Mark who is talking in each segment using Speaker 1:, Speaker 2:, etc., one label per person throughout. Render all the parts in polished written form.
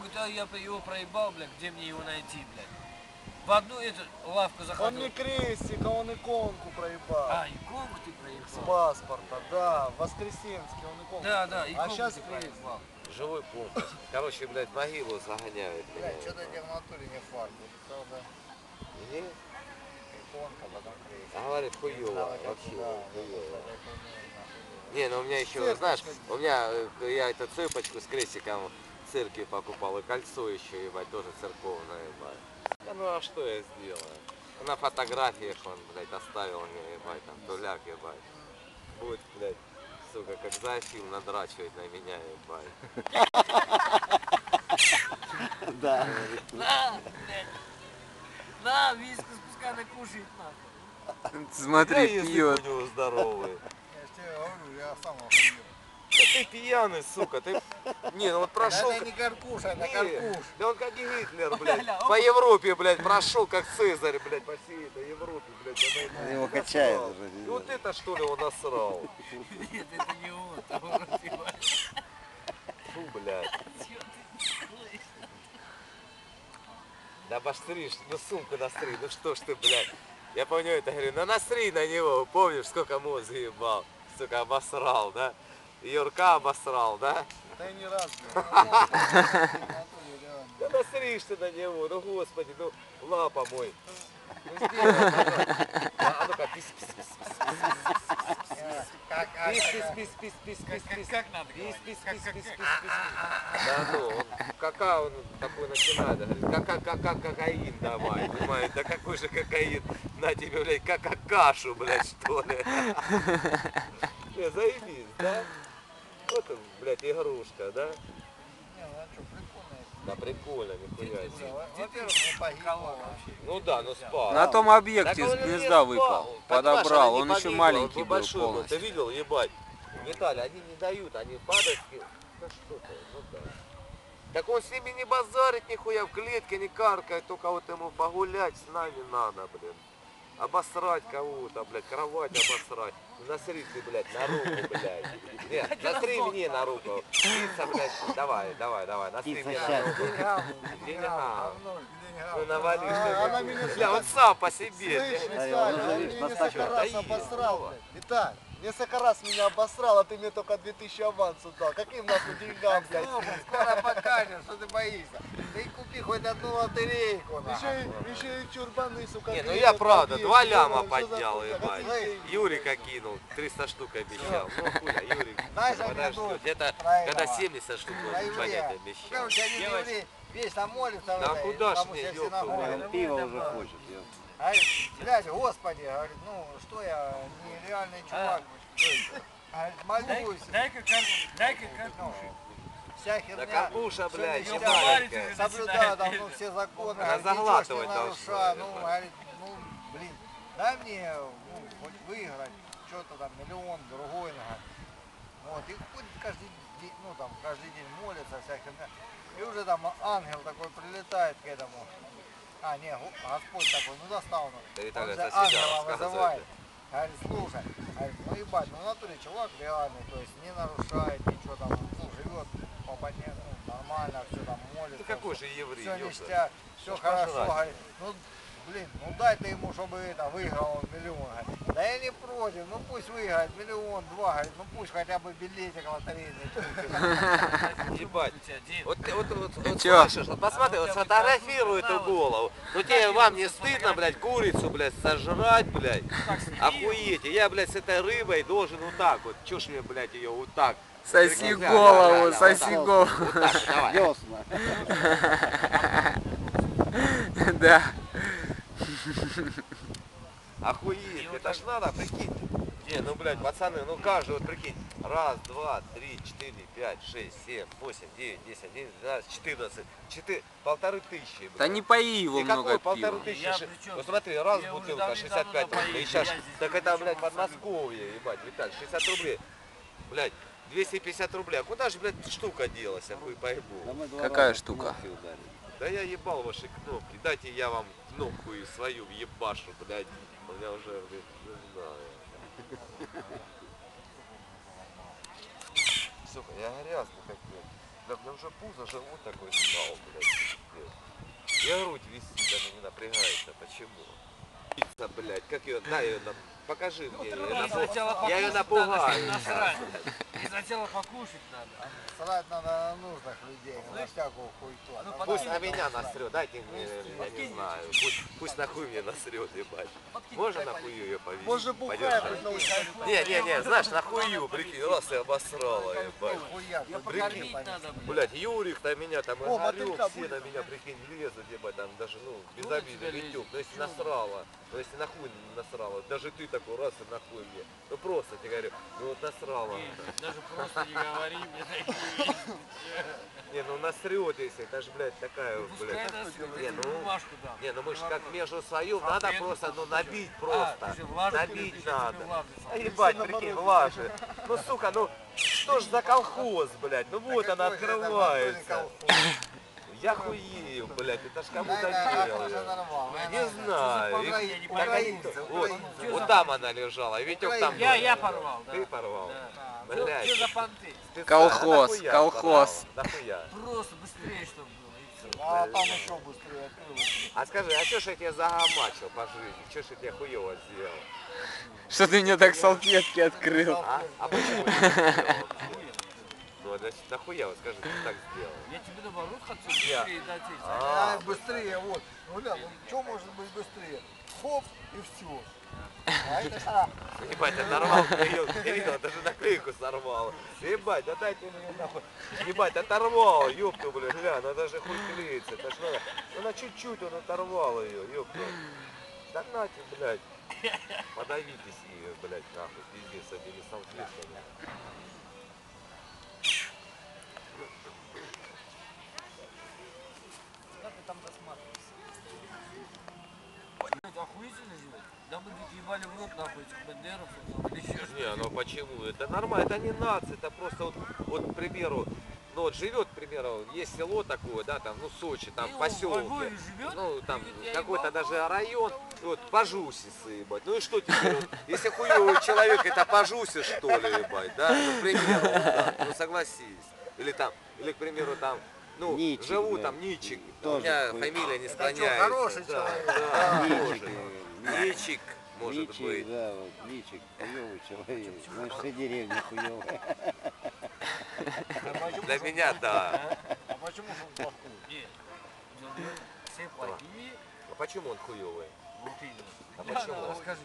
Speaker 1: говорит, а я его проебал, блядь, где мне его найти, блядь? В одну эту лавку заходил.
Speaker 2: Он не крестик, а он иконку проебал.
Speaker 1: А, иконку ты проебал?
Speaker 2: С паспорта, да, в Воскресенске он иконку.
Speaker 1: Да, да,
Speaker 2: проебал. А
Speaker 1: иконку
Speaker 2: сейчас
Speaker 1: ты
Speaker 2: крестик.
Speaker 1: проебал.
Speaker 3: Живой компас. Короче, блядь, могилу загоняют.
Speaker 4: Блядь, что-то тебе в натуре не факт. Правда,
Speaker 3: Не?
Speaker 4: иконка, потом крестик.
Speaker 3: А говорит, хуёво,
Speaker 4: Надо как
Speaker 3: вообще,
Speaker 4: туда,
Speaker 3: хуёво.
Speaker 4: это не
Speaker 3: Не, ну у меня еще,
Speaker 2: Церковь
Speaker 3: знаешь,
Speaker 2: ходить.
Speaker 3: у меня, я эту цепочку с крестиком в церкви покупал, и кольцо еще, ебать, тоже церковное, ебать. Да ну а что я сделаю? На фотографиях он, блядь, оставил мне, ебать, там, туляк, ебать. Будет, блядь, сука, как зоофил надрачивать на меня, ебать.
Speaker 2: Да.
Speaker 1: На, блядь. На, виску спускай, накушает, нахуй.
Speaker 5: Смотри,
Speaker 3: язык
Speaker 5: пьет.
Speaker 3: у него здоровый.
Speaker 4: Я же тебе говорю, я сам охуел.
Speaker 3: Да ты пьяный, сука, ты... Не, ну вот прошел...
Speaker 4: Это не каркуша, это
Speaker 3: Не,
Speaker 4: каркуш.
Speaker 3: да он как Гитлер, блядь,
Speaker 1: Ля,
Speaker 3: по Европе, блядь, прошел как Цезарь, блядь, по всей этой Европе, блядь. она
Speaker 2: Его
Speaker 3: насрал.
Speaker 2: качает уже.
Speaker 3: И вот это что ли он насрал?
Speaker 1: Нет, это не он, там он разбивает.
Speaker 3: Фу, блядь.
Speaker 1: Чё ты делаешь?
Speaker 3: Да обостришь, ну сумку настри, ну что ж ты, блядь. Я помню это, говорю, ну насри на него, помнишь, сколько мозг ебал, сука, обосрал, да? Юрка обосрал, да?
Speaker 2: Да и не раз.
Speaker 3: Да насришь ты на него, ну господи, ну лапа мой. Ну сделай, пожалуйста. А ну-ка, пис, пис, пис,
Speaker 4: Как,
Speaker 3: пис, пис, пис, пис, пис, пис, пис,
Speaker 1: Как надо
Speaker 3: пис,
Speaker 1: говорить?
Speaker 3: пис, пис, пис, пис, пис. Да ну, он, кака он такой начинает, говорит, кокаин давай, понимаешь, да какой же кокаин, на тебе, блядь, кашу, блядь, что ли. Не, заебись, да? Вот он, блядь, игрушка, да?
Speaker 4: Не, ну а что, прикольно.
Speaker 3: Да прикольно, нихуя себе.
Speaker 4: Во-первых, не погибал вообще.
Speaker 3: Ну да, ну спал.
Speaker 5: На том
Speaker 3: Так
Speaker 5: объекте
Speaker 3: он
Speaker 5: с
Speaker 3: не
Speaker 5: гнезда
Speaker 3: спал.
Speaker 5: выпал.
Speaker 3: Понимаешь,
Speaker 5: Подобрал.
Speaker 3: она
Speaker 5: Он
Speaker 3: не
Speaker 5: еще
Speaker 3: погибла,
Speaker 5: маленький
Speaker 3: он
Speaker 5: был
Speaker 3: большой был. Ты
Speaker 5: полностью.
Speaker 3: видел, ебать? Виталий, они не дают, они падают. Да что ты, ну да. Так он с ними не базарит нихуя, в клетке не каркает, только вот ему погулять с нами надо, блин. Обосрать кого-то, блядь, кровать обосрать. Насри ты, блядь, на руку, блядь. Нет, насри мне на руку. Пицца, блядь, давай, насри мне на руку. Деньгам. Ну навали,
Speaker 2: Она
Speaker 3: что
Speaker 2: меня
Speaker 3: бля, он сам по себе.
Speaker 2: Слышь,
Speaker 3: бля.
Speaker 2: Виталий, он меня несколько раз
Speaker 3: Да
Speaker 2: обосрал,
Speaker 3: ебать.
Speaker 2: блядь. Виталь, несколько раз меня обосрал, а ты мне только 2000 авансу дал. Каким нахуй деньгам, блядь?
Speaker 4: Слушай, скоро покажем, что ты боишься. Ты купи хоть одну лотерейку. нахуй.
Speaker 2: Еще и чурбаны, сука.
Speaker 3: Не, ну
Speaker 2: клеят
Speaker 3: я
Speaker 2: на
Speaker 3: правда,
Speaker 2: объекты,
Speaker 3: 2 ляма
Speaker 2: что за
Speaker 3: поднял,
Speaker 2: хуйня?
Speaker 3: ебать.
Speaker 2: Какие деньги?
Speaker 3: Юрика кинул, 300 штук обещал. Ну хуя, Юрик,
Speaker 4: Знаешь,
Speaker 3: подожди,
Speaker 4: анекдот
Speaker 3: это
Speaker 4: про
Speaker 3: когда
Speaker 4: этого,
Speaker 3: 70 штук
Speaker 4: про
Speaker 3: будет
Speaker 4: еврея.
Speaker 3: понять
Speaker 4: Ну,
Speaker 3: обещал.
Speaker 4: короче, один еврей вечно молится.
Speaker 3: Да
Speaker 4: в этой,
Speaker 3: куда ж
Speaker 4: потому
Speaker 3: мне,
Speaker 4: что
Speaker 3: ёпта,
Speaker 4: синагога.
Speaker 3: блядь.
Speaker 2: Пиво уже хочет, ёпта.
Speaker 4: Говорит, блядь, господи, говорит, ну что я, нереальный чувак. Говорит, молюсь.
Speaker 1: Дай-ка картошек.
Speaker 4: Вся
Speaker 3: Да
Speaker 4: херня.
Speaker 3: карпуша, блядь,
Speaker 4: Всё
Speaker 3: не
Speaker 4: нельзя
Speaker 3: маленькая.
Speaker 4: соблюдаю там, ну, все законы.
Speaker 3: Она
Speaker 4: говорит, ничего ж не
Speaker 3: заглатывать должна,
Speaker 4: нарушаю. Ну,
Speaker 3: ебать.
Speaker 4: говорит, ну, блин, дай мне, ну, хоть выиграть, что-то там, миллион, другой, говорит. Вот, и ходит каждый день, ну, там, каждый день молится, вся херня. И уже там ангел такой прилетает к этому. А, не, Господь такой, ну, достал.
Speaker 3: Да
Speaker 4: Он
Speaker 3: Виталий,
Speaker 4: же
Speaker 3: это себя
Speaker 4: ангела
Speaker 3: рассказывает.
Speaker 4: вызывает. Говорит, слушай, говорит, ну ебать, ну в натуре чувак реальный, то есть не нарушает ничего там, ну живет по понятию, ну, нормально, все там молится.
Speaker 3: Ты какой же еврей,
Speaker 4: Все
Speaker 3: ёпта.
Speaker 4: ништяк, все
Speaker 3: Ну, ж
Speaker 4: хорошо,
Speaker 3: пожрать.
Speaker 4: говорит, ну блин, ну дай ты ему, чтобы это, выиграл он миллион, говорит. Да я не против, ну пусть выиграет миллион, два, говорит, ну пусть хотя бы билетик лотерейный.
Speaker 3: Ебать. Вот
Speaker 5: чё?
Speaker 3: слышишь, вот посмотри, вот сфотографируй эту голову. Ну тебе, вам не стыдно, блядь, курицу, блядь, сожрать, блядь? Охуете. Я, блядь, с этой рыбой должен вот так вот. Чё ж мне, блядь, ее вот так?
Speaker 5: Соси
Speaker 3: Прикольно.
Speaker 5: голову,
Speaker 3: Да,
Speaker 5: соси
Speaker 3: вот
Speaker 5: голову.
Speaker 3: Вот так, вот, давай.
Speaker 2: Ясно.
Speaker 5: Да.
Speaker 3: Охуеть, это ж надо, прикинь. Не, ну, блядь, пацаны, ну каждый, вот прикинь. Раз, два, три, четыре, пять, шесть, семь, восемь, девять, 10, 11, 12, 14. 1500, блядь.
Speaker 5: Да не пои его
Speaker 3: И
Speaker 5: много
Speaker 3: какой
Speaker 5: пива.
Speaker 3: 1500?
Speaker 1: Я при чём?
Speaker 3: Ну смотри, раз
Speaker 1: Я уже
Speaker 3: бутылка
Speaker 1: давным-давно
Speaker 3: 65 рублей.
Speaker 1: напоил,
Speaker 3: Сейчас,
Speaker 1: я здесь
Speaker 3: так
Speaker 1: ни
Speaker 3: это,
Speaker 1: при
Speaker 3: блядь,
Speaker 1: чём,
Speaker 3: Подмосковье, ебать, Виталь, 60 рублей. Блядь, 250 рублей. А куда же, блядь, штука делась, я хуй пойму.
Speaker 5: Какая штука?
Speaker 3: Да я ебал ваши кнопки. Дайте я вам кнопку и свою ебашу, блядь. У меня уже, блядь, не знаю. Сука, я грязный как, блядь. Да мне уже пузо, живот такой стал, блядь, пиздец. Я грудь висит, она не напрягается. Почему? Пицца, блядь, как ее, дай ее нам, покажи мне ее. Я ее напугаю.
Speaker 1: Насрать. И сначала покушать надо.
Speaker 4: Срать надо на нужных людей, на всякую хуйту. А там
Speaker 3: Пусть на меня насрет, дайте мне, я не знаю. Пусть нахуй мне насрет, ебать. Можно нахую ее повесить?
Speaker 2: Может, бухая хоть научиться.
Speaker 3: Не, знаешь, нахую, прикинь, раз и обосрала, ебать.
Speaker 4: хуя,
Speaker 1: Ее
Speaker 4: что
Speaker 1: покормить надо, блядь.
Speaker 3: Блять, Юрик на меня там и
Speaker 2: О,
Speaker 3: горел,
Speaker 2: мотылька
Speaker 3: все
Speaker 2: будет.
Speaker 3: на меня, прикинь, лезут, ебать, там даже, ну, без
Speaker 1: Ну,
Speaker 3: обиды,
Speaker 1: тебя
Speaker 3: Витюк.
Speaker 1: лезет.
Speaker 3: Ну, если насрала, ну, если нахуй насрала, даже ты такой раз и нахуй мне. Ну, просто тебе говорю, ну, вот насрала.
Speaker 1: Не, даже просто не говори мне такие.
Speaker 3: Не, ну, насрет, если, это же, блядь, такая, вот,
Speaker 1: Пускай
Speaker 3: блядь.
Speaker 1: насрет,
Speaker 3: Не,
Speaker 1: я тебе
Speaker 3: ну,
Speaker 1: бумажку дам.
Speaker 3: Не, ну мы же как между свою, надо
Speaker 1: Салфетку
Speaker 3: просто, ну,
Speaker 1: купи.
Speaker 3: набить
Speaker 1: А,
Speaker 3: просто.
Speaker 1: ты же влажный
Speaker 3: Набить
Speaker 1: любишь, я тебе
Speaker 3: надо.
Speaker 1: влажный
Speaker 3: А
Speaker 1: салфетку.
Speaker 3: ебать, прикинь, влажи. Ну, сука, ну, что ж за колхоз, блядь, ну вот она открывается. Я хуею, блядь, это ж кому-то делал. Не знаю.
Speaker 1: Я не
Speaker 3: Так они-
Speaker 1: понимаю.
Speaker 3: Вот, вот там она лежала, и Витек там был.
Speaker 1: Я порвал, да.
Speaker 3: Ты порвал.
Speaker 1: Да.
Speaker 3: Блядь.
Speaker 1: Что за понты?
Speaker 3: Специально,
Speaker 5: Колхоз,
Speaker 3: нахуя
Speaker 5: колхоз.
Speaker 3: порвал? Нахуя?
Speaker 1: Просто быстрее, чтобы было. И все.
Speaker 4: А там еще быстрее открылось.
Speaker 3: А скажи, а что ж я тебя загамачил по жизни? Что ж я тебе хуево сделал?
Speaker 5: Что ты мне так салфетки открыл?
Speaker 3: А почему я так сделал? Ну, значит, нахуя, вот скажи, ты так сделал?
Speaker 1: Я тебе наоборот хочу быстрее дать эти.
Speaker 4: А, быстрее, вот. Ну, ля, ну что может быть быстрее? Хоп, и все. А это шара.
Speaker 3: Ебать, оторвал, Кирилл, даже наклейку сорвал. Ебать, да дайте мне нахуй. Ебать, оторвал, ёпту, блядь, гля, она даже хуй клеится. Это ж надо, ну на чуть-чуть он оторвал ее, ёпту. Да нате, блядь. Подавитесь ее, блядь, нахуй, пиздец, с этими салфетками.
Speaker 1: Как ты там досматриваешься? Охуительно делать? Да мы ведь ебали в рот нахуй этих бандеровцев там, или еще что-то.
Speaker 3: Не, ну почему? Это нормально, это не нация, это просто вот, к примеру, ну вот живет, к примеру, есть село такое, да, там, ну Сочи, там
Speaker 1: И он во
Speaker 3: поселок,
Speaker 1: Львове живет?
Speaker 3: ну там
Speaker 1: И говорит, я
Speaker 3: какой-то
Speaker 1: ебал.
Speaker 3: даже район, вот пожусицы, ебать. Ну и что теперь, вот, если хуёвый человек, это пожуси, что ли, ебать, да, ну, к примеру, вот так, ну согласись. Или там, или, к примеру, там, ну,
Speaker 6: Ничик,
Speaker 3: живу
Speaker 6: да.
Speaker 3: там Ничик, у
Speaker 6: Тоже
Speaker 3: меня
Speaker 6: хуй.
Speaker 3: фамилия не
Speaker 4: Это
Speaker 3: склоняется.
Speaker 4: что, хороший
Speaker 3: да,
Speaker 4: человек?
Speaker 3: да,
Speaker 6: Ничик,
Speaker 3: тоже. Ничик, может
Speaker 6: Личик,
Speaker 3: быть.
Speaker 6: да, вот, личик, хуёвый человек. Значит, вся деревня хуёвая.
Speaker 3: Для меня, да.
Speaker 4: А почему же он плохой?
Speaker 1: Нет. Все плохие.
Speaker 3: А почему он хуёвый?
Speaker 1: Вот именно.
Speaker 3: А почему?
Speaker 1: Расскажи.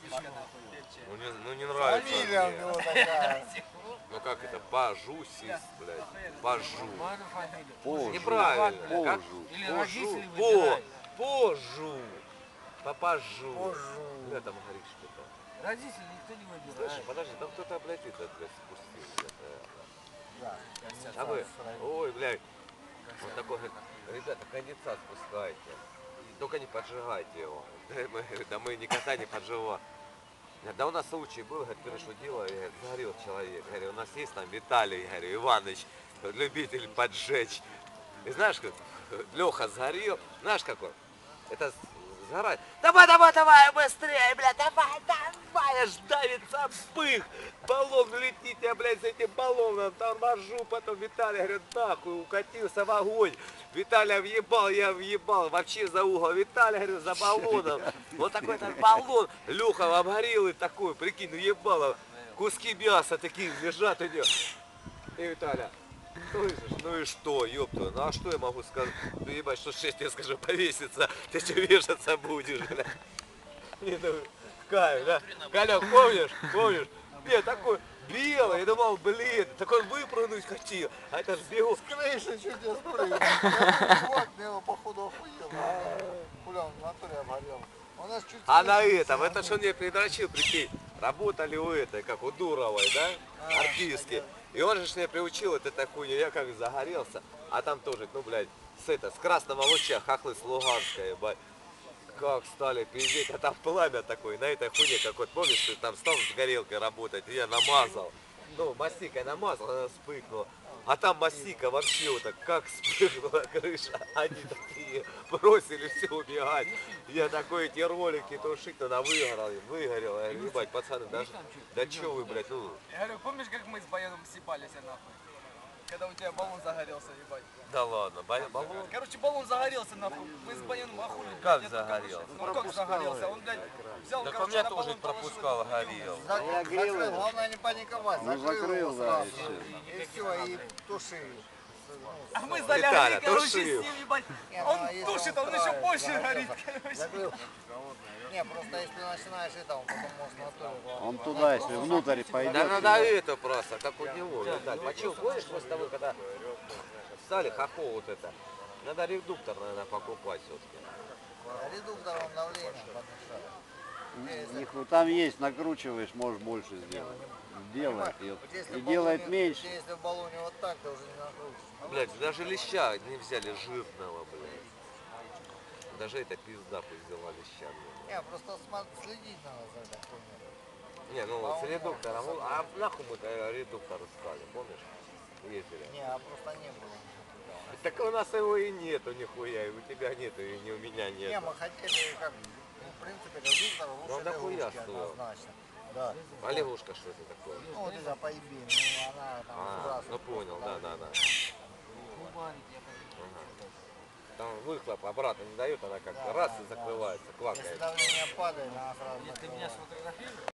Speaker 3: Ну не нравится
Speaker 4: Фамилия у
Speaker 3: мне.
Speaker 4: него такая.
Speaker 3: Ну как это? Бажусис, блядь. Бажу.
Speaker 1: Нормальная фамилия.
Speaker 6: Позжу.
Speaker 3: Неправильно. Как?
Speaker 6: Позжу.
Speaker 1: Или
Speaker 3: Позжу.
Speaker 1: родители
Speaker 3: Во!
Speaker 1: выбирают.
Speaker 3: Позжу. Попажу.
Speaker 4: Позжу.
Speaker 3: Бля, там горит что-то.
Speaker 1: Родители никто не
Speaker 3: Слышь,
Speaker 1: выбирает.
Speaker 3: подожди, там кто-то, блядь, это, блядь, спустил. где-то.
Speaker 4: Да.
Speaker 3: А вы, ой, блядь, вот такой, ребята, конденсат спускайте. Только не поджигайте его. Да мы никогда не поджигаем. Да у нас случай был, говорит, говорю, что дело, я говорю, сгорел человек. Говорю, у нас есть там Виталий, говорю, Иваныч, любитель поджечь. И знаешь, как Леха сгорел, знаешь какой? Это сгорает. Давай, давай, давай, быстрее, блядь, давай, давай, аж давится пых. Баллон летит, я, блядь, с этим баллоном торможу, потом Виталий, говорит, нахуй, укатился в огонь. Виталия въебал, я въебал, вообще за угол. Виталий, говорю, за баллоном. Вот такой этот баллон, Леха обгорелый такой, прикинь, въебало. Куски мяса такие лежат у него. И Виталя, слышишь, ну и что, ёпта, ну а что я могу сказать? Ну ебать, что 6 я скажу, повеситься, ты что вешаться будешь, бля? Не, ну, кайф, да? Колян, помнишь? Помнишь? Нет, такой белый, я думал, блин, такой выпрыгнуть хотел, а это ж бегу.
Speaker 4: С крыши чуть не спрыгнул. Чувак, мне его походу охуел. Хуля, он в натуре обгорел. У нас чуть
Speaker 3: А на
Speaker 4: крыша
Speaker 3: этом,
Speaker 4: не
Speaker 3: это что мне предрочил, прикинь, работали у этой, как у Дуровой, да, артистки. И он же ж меня приучил от этой хуйни, я как загорелся, а там тоже, ну, блядь, с красного луча, хохлы с Луганска, ебать. Как стали пиздеть, а там пламя такое, на этой хуйне, как вот, помнишь, ты там стал с горелкой работать, и я намазал. Ну, мастикой намазал, она вспыхнула. А там мастика вообще вот так, как вспыхнула крыша. Они такие бросили все убегать. Я такой эти ролики тушить, она выгорела. Я говорю, ебать, пацаны, даже, да чё вы, блядь, ну,
Speaker 7: Я говорю, помнишь, как мы с Баяном съебались нахуй?
Speaker 2: Когда у тебя баллон загорелся, ебать.
Speaker 3: Да ладно, баллон?
Speaker 2: Короче, баллон загорелся, нахуй. Мы с Баяном охули.
Speaker 3: Как загорелся?
Speaker 2: Ну как загорелся? Он, блядь, взял,
Speaker 3: Так у
Speaker 2: короче,
Speaker 3: меня
Speaker 2: на
Speaker 3: тоже
Speaker 2: баллон
Speaker 3: пропускал, горел.
Speaker 4: Закрыл, главное не паниковать.
Speaker 6: Ну, закрыл, да,
Speaker 4: сразу.
Speaker 6: и всё.
Speaker 4: И все, и туши.
Speaker 2: А мы
Speaker 3: Виталя,
Speaker 2: залягли, короче, с
Speaker 3: тушил.
Speaker 2: ним, ебать.
Speaker 4: Не,
Speaker 2: Он
Speaker 4: ну, если
Speaker 2: тушит, он еще
Speaker 4: устраивает,
Speaker 2: больше
Speaker 4: да,
Speaker 2: горит,
Speaker 4: да.
Speaker 2: короче.
Speaker 4: Закрыл. Не, просто если начинаешь это, он потом может на то.
Speaker 6: Он туда, если внутрь пойдет.
Speaker 3: Да надо это просто, как у него, видать. Почему, помнишь, после того, когда стали хохол вот это, надо редуктор, наверное, покупать все-таки.
Speaker 4: Редуктором давление подмешать.
Speaker 6: Нихуя, там есть, накручиваешь, можешь больше сделать. Делает ее.
Speaker 4: Вот если
Speaker 6: И
Speaker 4: в
Speaker 6: делает
Speaker 4: баллоне-
Speaker 6: меньше.
Speaker 4: Если в баллоне вот так, то уже не накрутишь.
Speaker 3: Блядь, даже леща не взяли жирного, блядь. Даже это пизда пусть взяла леща. блядь.
Speaker 4: Не, просто следить надо за этой хуйней.
Speaker 3: Не, ну
Speaker 4: А
Speaker 3: с
Speaker 4: он
Speaker 3: редуктором.
Speaker 4: может,
Speaker 3: А нахуй мы редуктор искали, помнишь? Ездили.
Speaker 4: Не, а просто не было.
Speaker 3: Так у нас его и нету нихуя, и у тебя нету, и не у меня
Speaker 4: Не,
Speaker 3: нет.
Speaker 4: мы хотели как, ну, в принципе, редуктор
Speaker 3: Ну,
Speaker 4: лучше
Speaker 3: дохуя
Speaker 4: лягушки
Speaker 3: стоил.
Speaker 4: однозначно. Да.
Speaker 3: А лягушка что это такое?
Speaker 4: Ну, вот это по eBay, ну, она там
Speaker 3: А,
Speaker 4: сбрасывает
Speaker 3: ну понял,
Speaker 4: просто
Speaker 3: да.
Speaker 4: давление.
Speaker 3: Там выхлоп обратно не дает, она как раз и закрывается,
Speaker 4: Если
Speaker 3: квакает.
Speaker 4: давление падает, она сразу
Speaker 1: Ты
Speaker 4: закрывает.
Speaker 1: меня сфотографируешь?